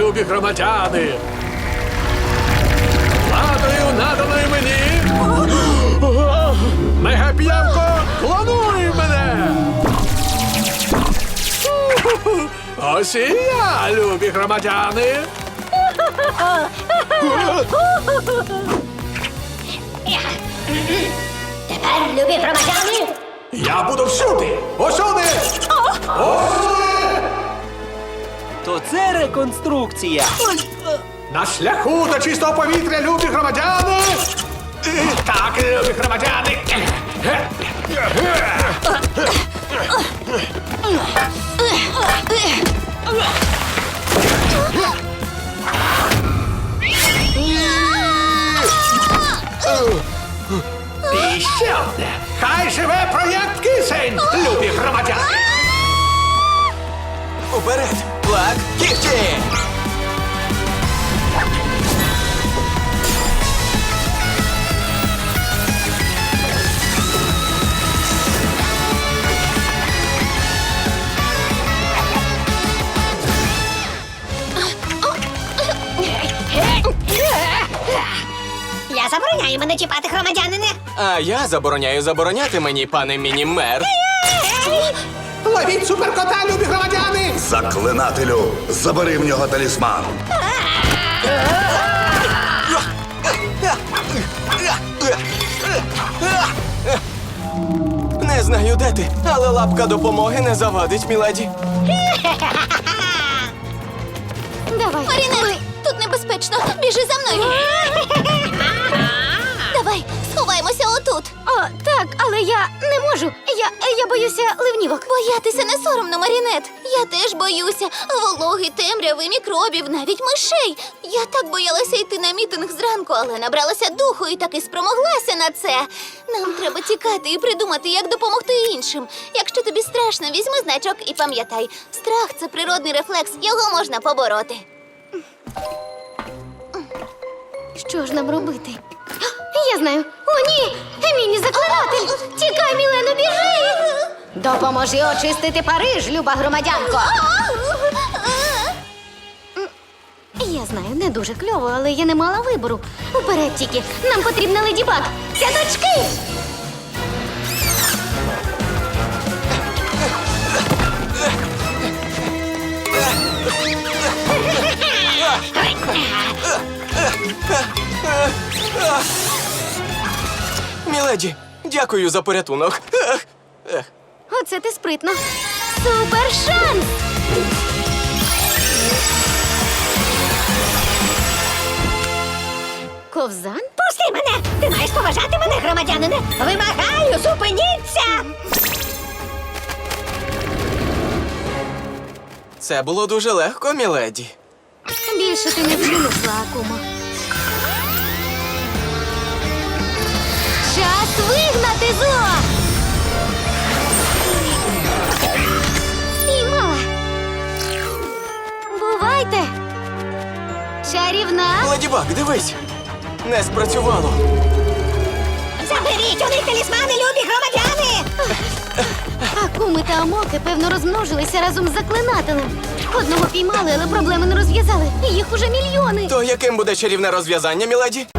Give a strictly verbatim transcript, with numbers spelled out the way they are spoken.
любі громадяни! Владою, наданою мені, Мегап'явко, клонуй мене! Ось і я, любі громадяни! Тепер, любі громадяни, Я буду всюди! Усюди! Усюди! То це реконструкція. На шляху до чистого повітря, любі громадяни! Так, любі громадяни! І ще одне! Хай живе проєкт Кисень, любі громадяни! Уперед! Плак, кігті! я забороняю мене чіпати, громадянине. А я забороняю забороняти мені, пане міні-мер. Ловіть суперкота, любі громадяни! Заклинателю, забери в нього талісман. Не знаю, де ти, але лапка допомоги не завадить, міледі. Давай. Марінет, тут небезпечно. Біжи за мною. Давай, сховаємося отут. О, так, але я не можу. Я, я боюся ливнівок. Боятися не соромно, Марінет. Я теж боюся. Вологи, темряви, мікробів, навіть мишей. Я так боялася йти на мітинг зранку, але набралася духу і таки спромоглася на це. Нам треба тікати і придумати, як допомогти іншим. Якщо тобі страшно, візьми значок і пам'ятай. Страх – це природний рефлекс, його можна побороти. Що ж нам робити? Я знаю. О, ні! Міні-заклинатель! Тікай, Мілено, біжи! Допоможи очистити Париж, люба громадянко! Я знаю, не дуже кльово, але я не мала вибору. Уперед тільки! Нам потрібна Леді Баг! Сядочки! Міледі, дякую за порятунок. Ех, ех. Оце ти спритно. Супер шанс! Ковзан? Пусти мене! Ти маєш поважати мене, громадянине! Вимагаю, зупиніться! Це було дуже легко, міледі. Більше ти не вчинишла, Акумо. Час вигнати зло! Спіймала! Бувайте! Чарівна! Леді Баг, дивись! Не спрацювало. Заберіть у них талісмани, любі громадяни! Акуми та амоки, певно, розмножилися разом з заклинателем. Одного піймали, але проблеми не розв'язали. Їх уже мільйони. То яким буде чарівне розв'язання, міледі?